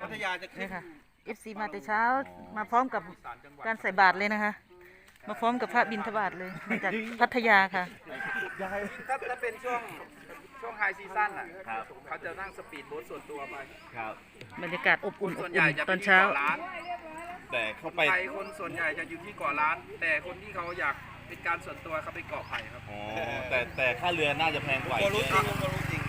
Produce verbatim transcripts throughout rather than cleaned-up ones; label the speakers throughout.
Speaker 1: พัทยาจะขึ้
Speaker 2: นี่
Speaker 1: น
Speaker 2: ค่ะ เอฟ ซี มาแต่เช้ามาพร้อมกับการใส่บาตรเลยนะคะ มาพร้อมกับพระบิณฑบาตเลยมาจากพัทยาค่ะ
Speaker 3: ถ้าถ้าเป็นช่วงช่วงไฮซีซั่นอ่ะเขาจะนั่งสปีดโบ๊ทส่วนตัวไป
Speaker 4: ครับ
Speaker 2: บรรยากาศอบอุ่นอบ
Speaker 3: ส่วนให
Speaker 2: อุ่
Speaker 3: ญ่
Speaker 2: น
Speaker 3: จะ
Speaker 2: ต
Speaker 3: เป็
Speaker 2: อน น
Speaker 3: ที่
Speaker 2: เช้า
Speaker 3: เกาะล้าน
Speaker 4: แต่เข้าไป
Speaker 3: ไทยคนส่วนใหญ่จะอยู่ที่เกาะล้าน แต่คนที่เขาอยากเป็นการส่วนตัวเขาไปเกาะไผ่ครับ
Speaker 4: อ๋อแต่แต่ค่าเรือน่าจะแพงกว่า
Speaker 1: ก็รู้จริงก็รู้จริง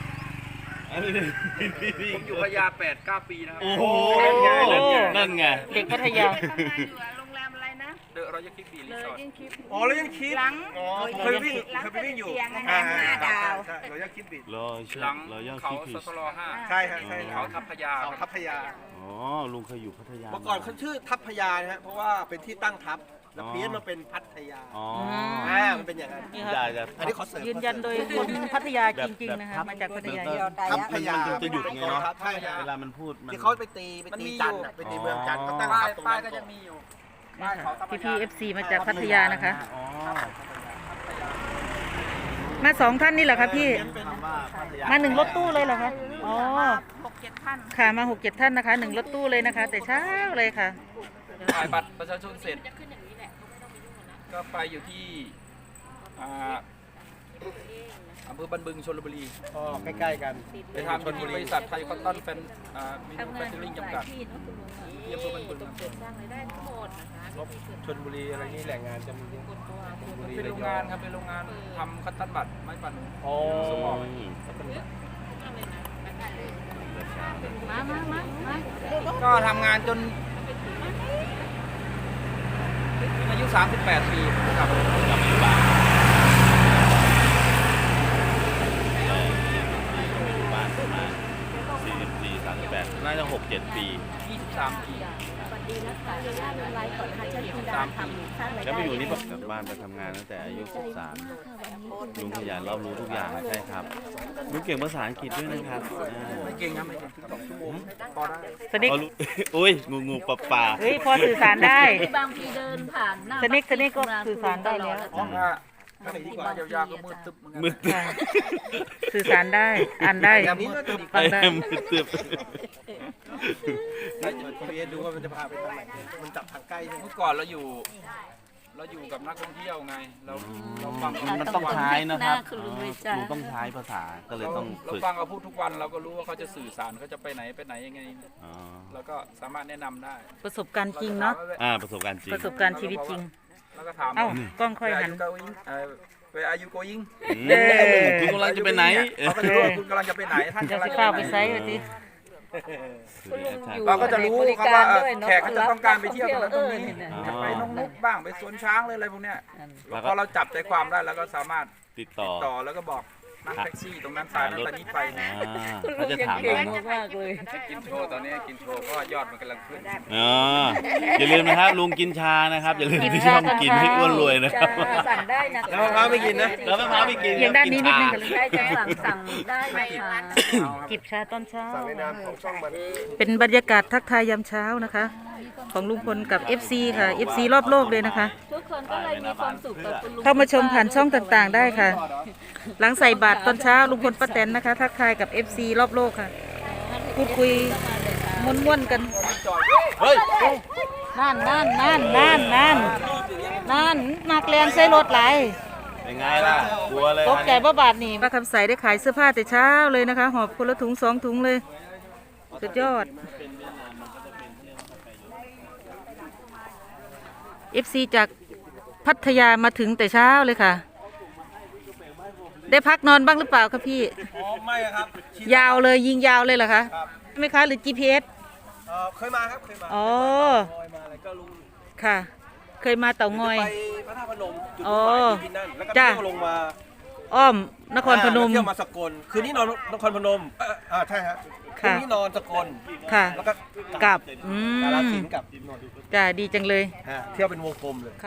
Speaker 3: ผมอยู่พะยาแปดเก้าปีนะครับ
Speaker 4: โอ้โหนั่นไง
Speaker 2: เด็กพัทยา
Speaker 5: ทำงานอยู่โรงแรมอะไรนะ
Speaker 3: เดอะรอยัลคิปบีรี
Speaker 5: เลย
Speaker 3: สอร์ท
Speaker 5: ยิ่งคิด
Speaker 1: อ๋อแล้วยังคิด
Speaker 5: หลัง
Speaker 1: อ๋อเคยวิ่งเคยไปวิ่งอยู่
Speaker 5: เตียง
Speaker 1: อ่า
Speaker 5: ห้าดาว
Speaker 1: ใช่เรายังคิดบิด
Speaker 4: รอเชื่อ
Speaker 3: หลัง
Speaker 4: รอย่า
Speaker 3: เขา
Speaker 4: คิด
Speaker 3: ส
Speaker 4: ผิด
Speaker 3: ตลห้า
Speaker 1: ใช่ครับใช่
Speaker 3: เขาทับพะยา
Speaker 1: เขาทัพพยา
Speaker 4: อ๋อลุงเคยอยู่พัทยา
Speaker 1: เมื่อก่อนเขาชื่อทัพพยานะฮะเพราะว่าเป็นที่ตั้งทัพแล้วเพี้ยนมาเป็นพัทยา
Speaker 4: อ๋อ
Speaker 1: อ่ามันเป็นอย่างนั้น
Speaker 2: นี่
Speaker 4: ได้
Speaker 2: ครับ
Speaker 4: จะ
Speaker 1: อันนี้ขอเสริม
Speaker 2: ยืนยันโดยคนพัทยาจริงๆนะคะ มาจากพัทยา
Speaker 1: ทัพพยา
Speaker 4: มันจะหยุดไงเนาะ
Speaker 1: ใช่ฮะ
Speaker 4: เวลามันพูดมัน
Speaker 1: ที่เขาไปตีไปตีจันทร์อะไปตีเมืองจันทร์เขาตั้ง
Speaker 3: ป้า
Speaker 1: ทั
Speaker 3: ย
Speaker 1: พตรง
Speaker 3: ป้าย
Speaker 1: นั้น
Speaker 3: ก็
Speaker 1: ก่
Speaker 3: จะ
Speaker 1: อน
Speaker 3: มีอยู่
Speaker 2: นี่ค่ะพี่พีเอฟซีมาจากพัทยานะคะ
Speaker 4: อ๋อ
Speaker 2: มาสองท่านนี่เหรอคะพี่
Speaker 4: คำว่าพัทยา
Speaker 2: มาหนึ่งรถตู้เลยเหรอคะอ๋อ
Speaker 5: หกเจ็ดท่าน
Speaker 2: ค่ะมาหกเจ็ดท่านนะคะหนึ่งรถตู้เลยนะคะ แต่เช้าเลยค่ะ
Speaker 3: ถ่ายบัตรประชาชนเสร็จก็ไปอยู่ที่อ่าอำเภอบันบึงชลบุรี
Speaker 1: อ๋อใกล้ๆกัน
Speaker 3: ไปทำอยู่ที่บริษัทไทยคอนตันแฟนอ่ามินูแฟคเจอริ่งจำกัดที่อำเภอบันบึงครับ
Speaker 1: ชลบุรีอะไรนี่แหล่งงานจะมีเยอะชลบุรี
Speaker 3: เป็นโรงงานครับเป็นโรงงานทำคัตตันบัตรไม้ปั่น
Speaker 1: อ๋อ
Speaker 3: สมอง
Speaker 5: มามามามา
Speaker 3: ก็ทำงานจนอายุ สามสิบแปด ปีครับ
Speaker 4: บ้านประมาณสี่สิบสี่สามสิบแปดน่าจะหกเจ็ดปี
Speaker 3: ยี่สิบสาม ปี
Speaker 5: สวัสดีนะคะยาย่าลงไลน์ก่อนค่ะเชิญคุณดาทำสร้างราย
Speaker 4: แล้ว
Speaker 5: ได้
Speaker 4: มาอยู่นี่กลับบ้านไปทำงานตั้งแต่อายุสิบสามลุงขยันรอบรู้ทุกอย่างใช่ครับลุงเก่งภาษาอังกฤษด้วยนะครับอ่า
Speaker 3: ไม่เก่งครับไม่เก่งสองชั่วโมงพอได้
Speaker 2: สนิก
Speaker 4: พอรู้ อุ้ยงูงูปลาปลา
Speaker 2: เฮ้ยพอสื่อสารได้
Speaker 5: บางทีเดินผ่านหน้า
Speaker 2: สนิกสนิกก็สื่อสารได้แล้ว
Speaker 3: ถ้าถ้าดีกว่ายาวๆก็มืดตึ๊บเหมือนกัน
Speaker 4: มืดตึ๊บ
Speaker 2: ค่ะสื่อสารได้อ่านได้
Speaker 1: แบบนี้ก็จะดี
Speaker 2: ฟังได้
Speaker 4: มืดตึ๊บ
Speaker 1: พีเอสดูว่ามันจะพาไปทางไหนมันจับทางใกล้ใช่ไหม
Speaker 3: เมื่อก่อนเราอยู่ เราอยู่กับนักท่องเที่ยวไง เราเราฟัง
Speaker 4: มันต้องใช้นะครับ
Speaker 5: คุณลุง
Speaker 4: อ๋
Speaker 5: เล
Speaker 4: อย
Speaker 5: จ้า
Speaker 4: ลุงต้องใช้ภาษาก็เลย
Speaker 3: เรา
Speaker 4: ต้อง
Speaker 3: เรา
Speaker 4: ฝึก
Speaker 3: ฟังเขาพูดทุกวันเราก็รู้ว่าเขาจะสื่อสารเขาจะไปไหนไปไหนยังไง
Speaker 4: อ๋อ
Speaker 3: เราก็สามารถแนะนำได้
Speaker 2: ประสบการณ์จริงเนาะ
Speaker 4: อ่าประสบการณ์จริง
Speaker 2: ประสบการณ์ชีวิตจริง
Speaker 3: แล้วก็ถาม
Speaker 2: เอ้ากล้องค่อยหัน
Speaker 3: ไปอายุโกยิง
Speaker 4: อืมคุณกำลังจะไปไหน
Speaker 3: เขาก็จะรู้ว่าคุณกำลังจะไปไหนท่าน
Speaker 2: จะ
Speaker 3: กำลั
Speaker 2: สิ
Speaker 3: งจะ
Speaker 2: ข้าว
Speaker 3: ไป
Speaker 2: ไป
Speaker 3: ไห
Speaker 2: ไซ
Speaker 3: น
Speaker 2: ส์ไปสิ
Speaker 3: เราก็จะรู้ครับว่าเอ่อแขกเขาจะต้องการไปเที่ยวตรงนั้นตรงนี้จะไปนงนุกบ้างไปสวนช้างเลยอะไรพวกเนี้ยพอเราจับใจความได้แล้วก็สามารถ
Speaker 4: ติดต่อ
Speaker 3: ต่อแล้วก็บอกนั่งแท็กซี่ตรงนั้นสายนั้นสายนี้ไป
Speaker 4: อ่าเขาจะถามเรา
Speaker 5: มากเลย
Speaker 3: กินโชว์ตอนนี้กินโชว์เพราะว่ายอดมันกำลังขึ้น
Speaker 4: อ๋ออย่าลืมนะครับลุงกินชานะครับอย่าลืมที่ช่องกินให้อ้วนรวยนะครับ
Speaker 5: สั่งได้นะ
Speaker 1: แล้วมะพร้าวไม่กินนะ
Speaker 4: แล้วมะพร้าวไม่กิน
Speaker 2: เอียงด้านนี้นิดนึงกันเลย
Speaker 5: ได้จะสั่งสั่งได้นะคะ
Speaker 2: จิบชาตอนเช้า
Speaker 1: สั่งในนามของช่องมัน
Speaker 2: เป็นบรรยากาศทักทายยามเช้านะคะ ของลุงพลกับ เอฟ ซี ค่ะ เอฟ ซี รอบโลกเลยนะคะ
Speaker 5: ทุกคนก็เลยมีความสุขกับคุณลุง
Speaker 2: เข้ามาชมผ่านช่องต่างๆได้ค่ะ หลังใส่บาตรตอนเช้าลุงพลป้าแตนนะคะ ทักทายกับ เอฟ ซี รอบโลกค่ะ พูดคุยม้วนๆกัน
Speaker 4: เฮ้ย
Speaker 2: นั่นนั่นนั่นนั่นนั่นนั่นนักแรงใส่รถไหลาย
Speaker 4: เป็นไงล่ะกลัวเลย
Speaker 2: ตกใจบ่บาทนี่ป้าคำใสได้ขายเสื้อผ้าแต่เช้าเลยนะคะ หอบคนละถุงสองถุงเลย สุดยอด เอฟ ซี จากพัทยามาถึงแต่เช้าเลยค่ะ ได้พักนอนบ้างหรือเปล่าคะพี่
Speaker 1: อ๋อไม่ครับ
Speaker 2: ยาวเลยยิงยาวเลยเหรอคะ
Speaker 1: ครับ
Speaker 2: ใช่ไหมคะหรือ จี พี เอส
Speaker 1: เอ่อเคยมาครับเคยมา
Speaker 2: อ๋อ
Speaker 1: เคยมาอะไรก็ลุง
Speaker 2: ค่ะ เคยมาเต่างอย
Speaker 1: ไปพระธาตุพนมจุด
Speaker 2: อ๋อ
Speaker 1: มุ่งหมายที่นั่นแล้วก็
Speaker 2: จ้ะ
Speaker 1: เที่ยวลงมา
Speaker 2: อ้อมนครพนม
Speaker 1: อ่าแล้วเที่ยวมาสกลคืนนี้นอนนครพนมเอ่ออ่าใช่ฮะคื
Speaker 2: ค่ะ
Speaker 1: นนี้นอนสกล
Speaker 2: ค่ะ
Speaker 1: แล้วก็
Speaker 2: กลับอื
Speaker 1: กาฬ
Speaker 2: ม
Speaker 1: สินธุ์กับนนท์
Speaker 2: จ้าดีจังเลย
Speaker 1: ฮะเที่ยวเป็นวงกลมเลย